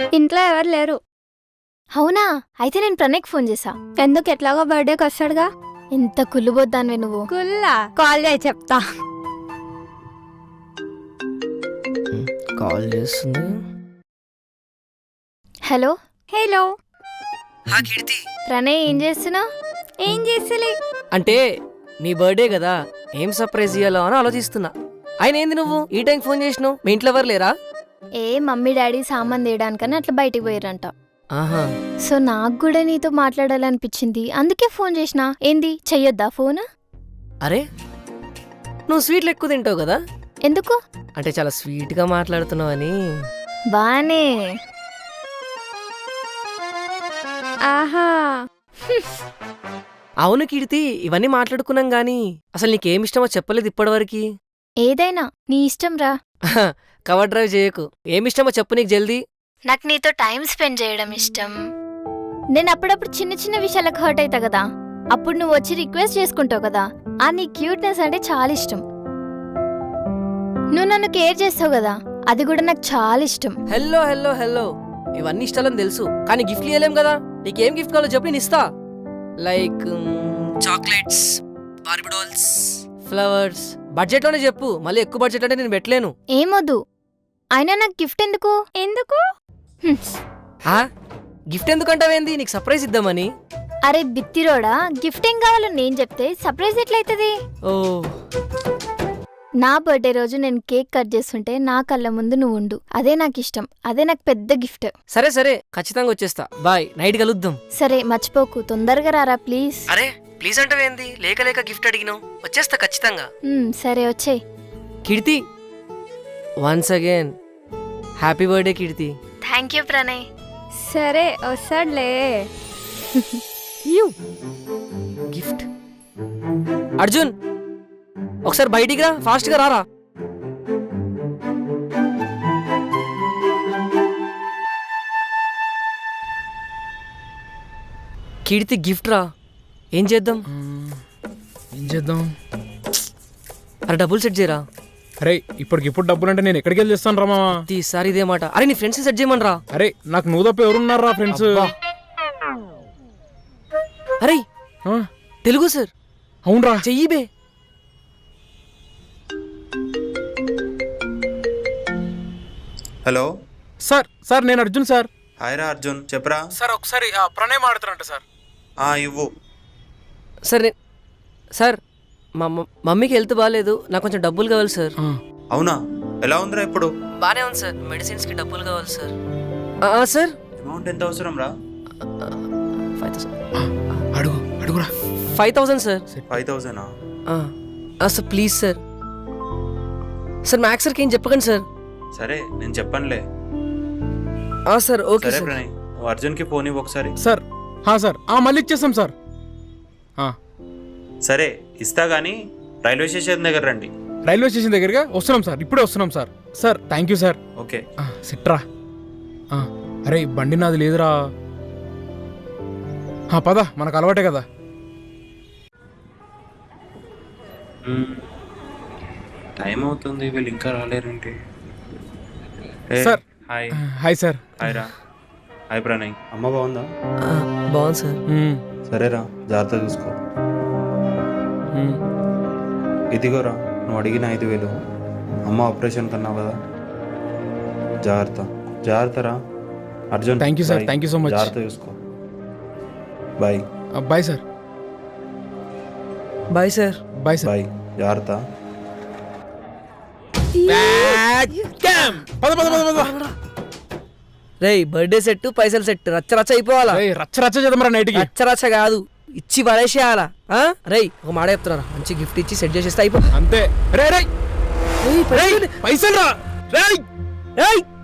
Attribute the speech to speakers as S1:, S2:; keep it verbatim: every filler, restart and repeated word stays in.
S1: ఇంట్లో ఎవరు లేరు.
S2: అవునా? అయితే నేను ప్రణయ్కి ఫోన్ చేసా.
S1: ఎందుకు? ఎట్లాగో బర్త్డేకి వస్తాడుగా.
S2: ఎంత కుళ్ళుబోద్దానివే నువ్వు.
S1: కుల్లా కాల్ చేయి చెప్తా.
S3: కాల్ చేస్తుంది.
S2: హలో
S1: హలో
S3: కీర్తి,
S2: ప్రణయ్ ఏం చేస్తున్నావు?
S1: ఏం చేస్తలే.
S3: అంటే నీ బర్త్డే కదా, ఏం సర్ప్రైజ్ ఇయ్యాలో అని ఆలోచిస్తున్నా. ఆయన ఏంది నువ్వు ఈ టైం ఫోన్ చేసినావు? మీ ఇంట్లో ఎవరు లేరా?
S2: ఏ మమ్మీ డాడీ సామాన్ తీయడానికని అట్లా బయటికి పోయారంట.
S3: ఆహా,
S2: సో నాకు కూడా నీతో మాట్లాడాలనిపించింది, అందుకే ఫోన్ చేసిన. ఏంది చెయ్యొద్దా ఫోన్?
S3: అరే నువ్వు స్వీట్లు ఎక్కువ తింటావు కదా,
S2: ఎందుకు?
S3: అంటే చాలా స్వీట్ గా మాట్లాడుతున్నావు అని.
S2: బానే.
S1: ఆహా,
S3: అవును కీర్తి, ఇవన్నీ మాట్లాడుకున్నాం గానీ అసలు నీకేమిష్టమో చెప్పలేదు ఇప్పటివరకు.
S2: ఏదైనా నీ ఇష్టం రా.
S3: కవర్ డ్రైవ్ చేయకు, ఏమిష్టమో చెప్పు నీకు జల్దీ.
S2: నాకు నీతో టైం స్పెండ్ చేయడం ఇష్టం. నేను అప్పుడప్పుడు చిన్న చిన్న విషయాలకు హర్ట్ అవుతా కదా, అప్పుడు నువ్వు వచ్చి రిక్వెస్ట్ చేసుకుంటావు కదా, ఆ నీ క్యూట్నెస్ అంటే చాలా ఇష్టం. నువ్వు నన్ను కేర్ చేస్తావు కదా, అది కూడా నాకు చాలా ఇష్టం.
S3: హెల్లో హెల్లో హెల్లో ఇవన్నీ ఇష్టాలని తెలుసు, కానీ గిఫ్ట్లు ఇవ్వలేం కదా. నీకేం గిఫ్ట్ కావాలో చెప్పి నేను ఇస్తా. Like chocolates, Barbie dolls, flowers. Budget లోనే చెప్పు, మళ్ళీ ఎక్కువ బడ్జెట్ అంటే నేను పెట్టలేను.
S2: ఏమొద్దు. అయినా నాకు గిఫ్ట్ ఎందుకు?
S1: ఎందుకు?
S3: గిఫ్ట్ ఎందుకంటావేంది? నీకు సర్ప్రైజ్ ఇద్దామని.
S2: అరే బిత్తిరోడా, గిఫ్ట్ ఏం కావాలో నేను చెప్తే సర్ప్రైజ్ ఎట్లయితది?
S3: ఓ,
S2: నా బర్త్డే రోజు నేను కేక్ కట్ చేస్తుంటే నా కళ్ళ ముందు నువ్వు ఉండు, అదే నాకు ఇష్టం. అదే నాకు పెద్ద గిఫ్ట్.
S3: సరే సరే, ఖచ్చితంగా వచ్చేస్తా. బాయ్, నైట్ కలుద్దాం.
S2: సరే మర్చిపోకు, తొందరగా రారా ప్లీజ్.
S3: అరే ప్లీజ్ అంటావేంది? లేక లేక గిఫ్ట్ అడిగినావు, వచ్చేస్తా ఖచ్చితంగా.
S2: ఉమ్, సరే వచ్చేయ్.
S3: Keerthi, once again happy birthday Keerthi.
S2: Thank you Pranay.
S1: సరే వస్తాడులే.
S3: గిఫ్ట్. అర్జున్ ఒకసారి బయటికి రా, ఫాస్ట్ గా రారా. కీర్తి గిఫ్ట్ రా, ఏం చేద్దాం?
S4: ఏం చేద్దాం?
S3: అరే డబ్బులు సెట్ చేయరా.
S4: అరే ఇప్పటికిప్పుడు డబ్బులు అంటే నేను ఎక్కడికి వెళ్ళి చేస్తాను రా మామా.
S3: ఈసారి ఇదే మాట. అరే నీ ఫ్రెండ్స్ సెట్ చేయమని రా.
S4: అరే నాకు నువ్వు తప్ప ఎవరున్నారా ఫ్రెండ్స్?
S3: అరే తెలుగు సార్.
S4: అవునరా,
S3: చెయ్యి బే.
S5: Hello
S4: sir. సార్ నేను అర్జున్ సార్.
S5: హాయ్ రా అర్జున్, చెప్పరా.
S4: సార్ ఒకసారి ప్రణయ్ మాడుతారంట సార్.
S5: ఆ ఇవ్వు.
S3: సార్ నే- సార్ మా మ- మమ్మీకి హెల్త్ బాగాలేదు, నాకు కొంచెం డబ్బులు కావాలి సార్.
S5: అవునా, ఎలా ఉందిరా ఇప్పుడు?
S3: బానే ఉంది సార్, మెడిసిన్స్కి డబ్బులు కావాలి సార్. ఆ, ఆ, సార్
S5: అమౌంట్ ఎంత అవసరం రా?
S3: ఫైవ్ థౌసండ్
S4: అడుగు అడుగురా.
S3: Five thousand sir.
S5: ఫైవ్ థౌసండా?
S3: ఆ, ఆ, sir please sir. Sir Max సార్కి ఏం చెప్పకండి సార్.
S5: సరే నేను చెప్పనులే.
S3: ఆ, సార్ ఓకే
S5: సరే
S3: సార్.
S5: ప్రణయ్, నువ్వు అర్జున్కి ఫోన్ ఇవ్వు ఒకసారి.
S4: సార్ హా సార్, మళ్ళీ ఇచ్చేస్తాం సార్.
S5: సరే ఇస్తా గానీ రైల్వే స్టేషన్ దగ్గర రండి.
S4: రైల్వే స్టేషన్ దగ్గరగా వస్తున్నాం సార్, ఇప్పుడే వస్తున్నాం sir. Sir thank you sir.
S5: Okay
S4: సిట్రా. అరే బండి నాది లేదురా. పద, మనకు అలవాటే కదా.
S5: టైం అవుతుంది, వీళ్ళు ఇంకా రాలేరేంటి?
S4: Sir.
S5: Hi.
S4: Hi sir.
S5: Hi రా. హాయ్ ప్రణయ్, అమ్మ బాగుందా?
S3: ఆ, బాగుంది సార్.
S5: సరేరా, జాగ్రత్త చూసుకో. ఇదిగోరా నువ్వు అడిగిన ఐదు వేలు అమ్మ ఆపరేషన్ కన్నావు కదా, జాగ్రత్త జాగ్రత్త రా Arjun.
S4: Thank you sir, thank you so much.
S5: జాగ్రత్త చూసుకో. Bye.
S4: Bye sir.
S3: Bye sir.
S4: Bye sir.
S5: Bye, జాగ్రత్త.
S4: పద పద పద పద.
S3: రేయ్ బర్త్డే సెట్, పైసలు సెట్, రచ్చ రచ్చ అయిపోవాలా.
S4: ఏయ్, రచ్చ రచ్చ చేద్దాం నైట్కి.
S3: రచ్చ రచ్చ కాదు, ఇచ్చి పడేసేయాలా. రేయ్ ఒక మాట చెప్తున్నా, మంచి గిఫ్ట్ ఇచ్చి సెట్ చేసేస్తే అయిపో
S4: అంతే. రే రే పైసలు రా. రేయ్
S3: రేయ్